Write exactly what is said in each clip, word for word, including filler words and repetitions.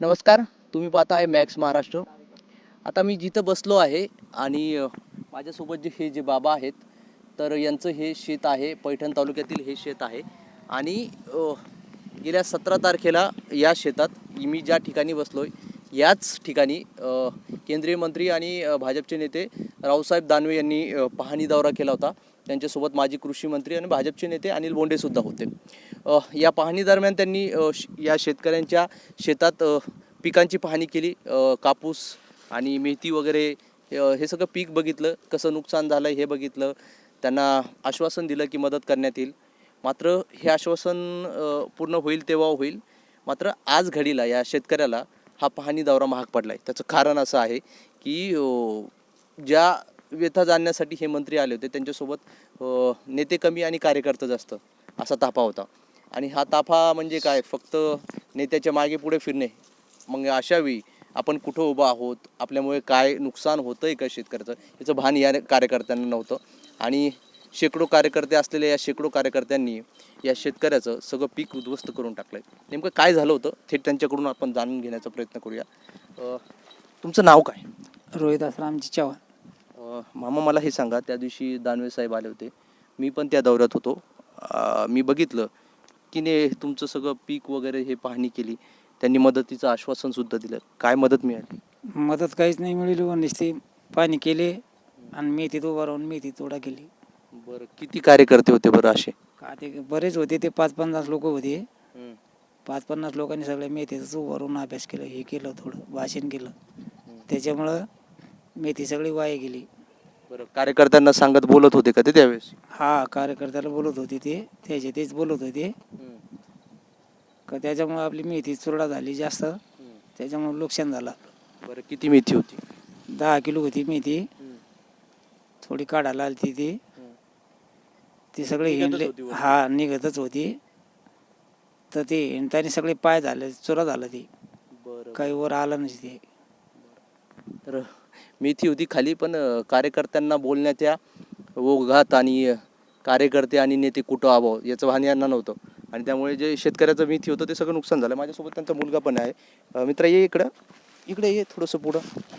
नमस्कार, तुम्ही पाहता आहे मॅक्स महाराष्ट्र. आता मी जिथं बसलो आहे आणि अ, माझ्यासोबत जे हे जे बाबा आहेत, तर यांचं हे शेत आहे. पैठण तालुक्यातील हे शेत आहे आणि अ, गेल्या सतरा तारखेला या शेतात मी ज्या ठिकाणी बसलो आहे याच ठिकाणी अ, केंद्रीय मंत्री आणि अ, भाजपचे नेते रावसाहेब दानवे यांनी अ, पाहणी दौरा केला होता. त्यांच्यासोबत माजी कृषी मंत्री आणि भाजपचे नेते अनिल बोंडेसुद्धा होते. अ, या पाहणी दरम्यान त्यांनी अ, श या शेतकऱ्यांच्या शेतात अ, पिकांची पाहणी केली. अ, कापूस आणि मेथी वगैरे अ, हे सगळं पीक बघितलं, कसं नुकसान झालं हे बघितलं. त्यांना आश्वासन दिलं की मदत करण्यात येईल. मात्र हे आश्वासन अ, पूर्ण होईल तेव्हा होईल. मात्र आज घडीला या शेतकऱ्याला हा पाहणी दौरा महाग पडला आहे. त्याचं कारण असं आहे की अ, ज्या व्यथा जाणण्यासाठी हे मंत्री आले होते त्यांच्यासोबत अ, नेते कमी आणि कार्यकर्ते जास्त असा ताफा होता. आणि हा ताफा म्हणजे काय, फक्त नेत्याच्या मागे पुढे फिरणे. मग अशावेळी आपण कुठं उभं आहोत, आपल्यामुळे काय नुकसान होतं आहे का शेतकऱ्याचं, याचं भान या कार्यकर्त्यांना नव्हतं. आणि शेकडो कार्यकर्ते असलेल्या या शेकडो कार्यकर्त्यांनी या शेतकऱ्याचं सगळं पीक उद्ध्वस्त करून टाकलं आहे. नेमकं काय झालं होतं थेट त्यांच्याकडून आपण जाणून घेण्याचा प्रयत्न करूया. अ, तुमचं नाव काय? रोहिदास रामजी चव्हाण. अ, मामा मला हे सांगा, त्या दिवशी दानवे साहेब आले होते, मी पण त्या दौऱ्यात होतो. अ, मी बघितलं की ने तुमचं सगळं पीक वगैरे हे पाहणी केली. त्यांनी मदतीचं आश्वासनसुद्धा दिलं. काय मदत मिळाली? मदत काहीच नाही मिळाली. व नुसती पाणी केले आणि मेथीत उभा राहून मेथी तोडा केली. बरं, किती कार्यकर्ते होते बरं असे? का ते बरेच होते, ते पाच पन्नास लोक होते. पाच पन्नास लोकांनी सगळ्या मेथीचं उभा राहून अभ्यास केलं, हे केलं, थोडं भाषण केलं. त्याच्यामुळं मेथी सगळी वाया गेली. बरं, कार्यकर्त्यांना सांगत बोलत होते का ते त्यावेळेस? हा, कार्यकर्त्याला बोलत होते ते, त्याचे तेच बोलत होते का त्याच्यामुळं आपली मेथी चुरडा झाली जास्त, त्याच्यामुळं नुकसान झालं. बरं, किती मेथी होती? दहा किलो होती मेथी. थोडी काढायला आली ती ती सगळी निघतच हिंडले. होती वरून? हा, निघतच होती. तर ते हिंडताना सगळे पाय झाले, चुरा झालं ती, बरं, काही वर आलं नाही ते. तर मेथी होती खाली, पण अ, कार्यकर्त्यांना बोलण्याच्या ओघात आणि अ, कार्यकर्ते आणि नेते कुठं आहो याचं भान यांना नव्हतं. आणि त्यामुळे जे शेतकऱ्याचं मेथी होतं ते सगळं नुकसान झालं. माझ्यासोबत त्यांचा मुलगा पण आहे. अ, मित्रा ये इकडं, इकडे ये थोडंसं पुढं.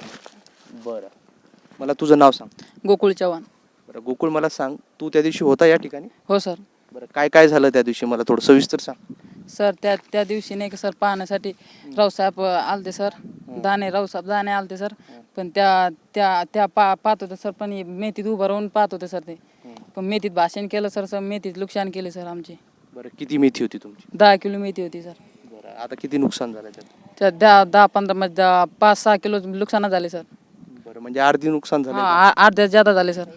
बरं, मला तुझं नाव सांग. गोकुळ चव्हाण. बरं गोकुळ, मला सांग, तू त्या दिवशी होता या ठिकाणी? हो सर. बरं, काय काय झालं त्या दिवशी, मला थोडं सविस्तर सांग. सर त्या त्या दिवशी नाही का सर, पाहण्यासाठी रावसाहेब अ, आलते सर. दाणे रावसाहेब दाणे आलते सर. पण त्या त्या त्या पा पाहत होते सर, पण हे मेथीत उभं राहून पाहत होते सर ते. पण मेथीत भाषण केलं सर, सर मेथीत नुकसान केले सर आमचे. बरं, किती मेथी होती तुमची? दहा किलो मेथी होती सर. बरं, आता किती नुकसान झालं त्यात? त्या दहा दहा पंधरा मध्ये दहा- पाच सहा किलो नुकसान झाले सर. बरं, म्हणजे अर्धी नुकसान झालं. हा, आ- अर्ध्या ज्यादा झाले सर.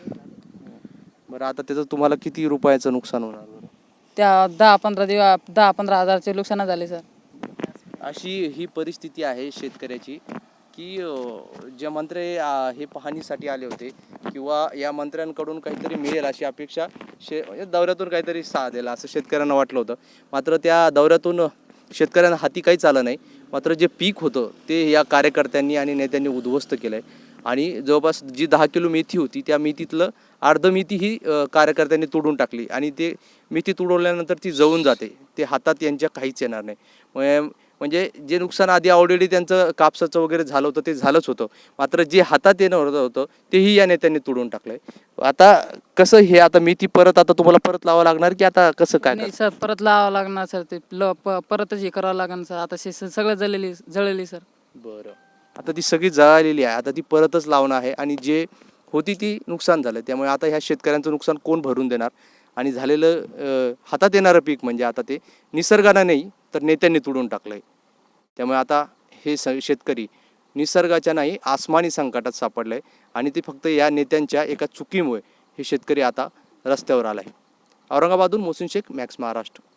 बरं, आता त्याचं तुम्हाला किती रुपयाचं नुकसान होणार बरं? त्या दहा पंधरा दिवस दहा पंधरा हजारचे नुकसान झाले सर. अशी ही परिस्थिती आहे शेतकऱ्याची की अ, जे मंत्री अ, हे पाहणीसाठी आले होते किंवा या मंत्र्यांकडून काहीतरी मिळेल अशी अपेक्षा शे म्हणजे दौऱ्यातून काहीतरी साथ द्यायला असं शेतकऱ्यांना वाटलं होतं. मात्र त्या दौऱ्यातून शेतकऱ्यांना हाती काहीच आलं नाही. मात्र जे पीक होतं ते या कार्यकर्त्यांनी आणि नेत्यांनी उद्ध्वस्त केलं आहे. आणि जवळपास जी दहा किलो मेथी होती त्या मेथीतलं अर्ध मेथी ही अ, कार्यकर्त्यांनी तोडून टाकली आणि ते मेथी तुडवल्यानंतर ती जळून जाते. ते हातात यांच्या काहीच येणार नाही. मग म्हणजे जे नुकसान आधी ऑलरेडी त्यांचं कापसाचं वगैरे झालं होतं ते झालंच होतं. मात्र जे हातात येणं होतं तेही या नेत्यांनी तोडून टाकलंय. आता कसं हे, आता मेथी परत आता तुम्हाला परत लावावं लागणार की आता कसं काय नाही करणार? सर, परत लावावं लागणार सर. ते ल प- परतच हे करावं लागणार सर. आता शे सगळं जळलेली जळलेली सर. बरं, आता ती सगळी जळालेली आहे, आता ती परतच लावणं आहे आणि जे होती ती नुकसान झालं. त्यामुळे आता ह्या शेतकऱ्यांचं नुकसान कोण भरून देणार? आणि झालेलं अ, हातात येणारं पीक म्हणजे आता ते निसर्गानं नाही तर नेत्यांनी तोडून टाकलं आहे. त्यामुळे आता हे स शेतकरी निसर्गाच्या नाही आसमानी संकटात सापडलं आहे आणि ते फक्त या नेत्यांच्या एका चुकीमुळे हे शेतकरी आता रस्त्यावर आला आहे. औरंगाबादहून मोहसिन शेख, मॅक्स महाराष्ट्र.